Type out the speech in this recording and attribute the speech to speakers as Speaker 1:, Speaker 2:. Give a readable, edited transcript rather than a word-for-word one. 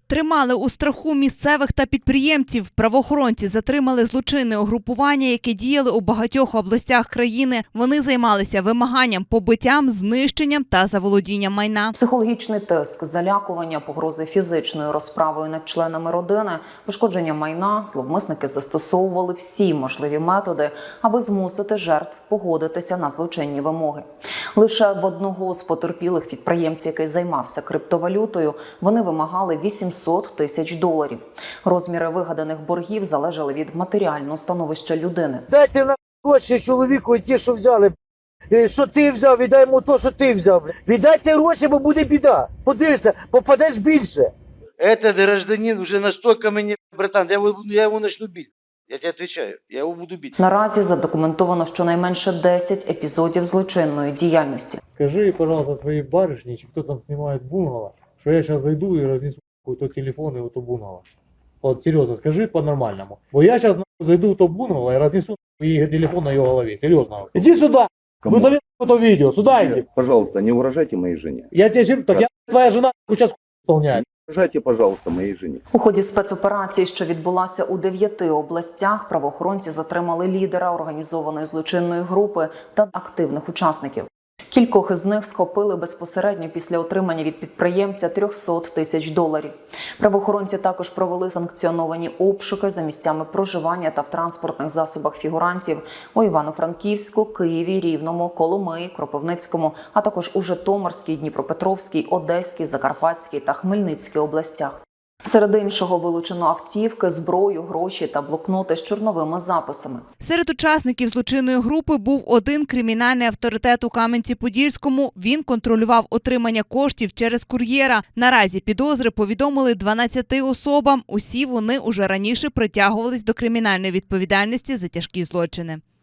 Speaker 1: Тримали у страху місцевих та підприємців. Правоохоронці затримали злочинне угрупування, яке діяли у багатьох областях країни. Вони займалися вимаганням, побиттям, знищенням та заволодінням майна.
Speaker 2: Психологічний тиск, залякування, погрози фізичною розправою над членами родини, пошкодження майна. Зловмисники застосовували всі можливі методи, аби змусити жертв погодитися на злочинні вимоги. Лише в одного з потерпілих підприємців, який займався криптовалютою, вони вимагали $800 тисяч. Розміри вигаданих боргів залежали від матеріального становища людини.
Speaker 3: Дайте на гроші чоловіку ті, що взяли. Що ти взяв, віддай йому то, що ти взяв. Віддайте гроші, бо буде біда. Подивися, попадеш більше. Этот гражданин уже настолько мені, братан, я його начну бити. Я тебе отвечаю, я його буду бити.
Speaker 2: Наразі задокументовано щонайменше 10 епізодів злочинної діяльності.
Speaker 4: Скажи, пожалуйста, своей барышне, кто там снимает бунгало, что я сейчас зайду и разнесу то телефон и то бунгало. Вот серьезно, скажи по-нормальному. Вот я сейчас зайду в то бунгало и разнесу и телефон на ее голове. Серьезно. Иди сюда.
Speaker 5: Кому?
Speaker 4: Вы завели это видео. Сюда иди.
Speaker 5: Пожалуйста, не угрожайте моей жене.
Speaker 4: Я тебе так я твоя жена сейчас исполняет.
Speaker 5: Не угрожайте, пожалуйста, моей жене.
Speaker 2: У ході спецоперації, що відбулася у 9 областях, правоохоронці затримали лідера організованої злочинної групи та активних учасників. Кількох із них схопили безпосередньо після отримання від підприємця $300 тисяч. Правоохоронці також провели санкціоновані обшуки за місцями проживання та в транспортних засобах фігурантів у Івано-Франківську, Києві, Рівному, Коломиї, Кропивницькому, а також у Житомирській, Дніпропетровській, Одеській, Закарпатській та Хмельницькій областях. Серед іншого вилучено автівки, зброю, гроші та блокноти з чорновими записами.
Speaker 1: Серед учасників злочинної групи був один кримінальний авторитет у Кам'янці-Подільському. Він контролював отримання коштів через кур'єра. Наразі підозри повідомили 12 особам. Усі вони уже раніше притягувались до кримінальної відповідальності за тяжкі злочини.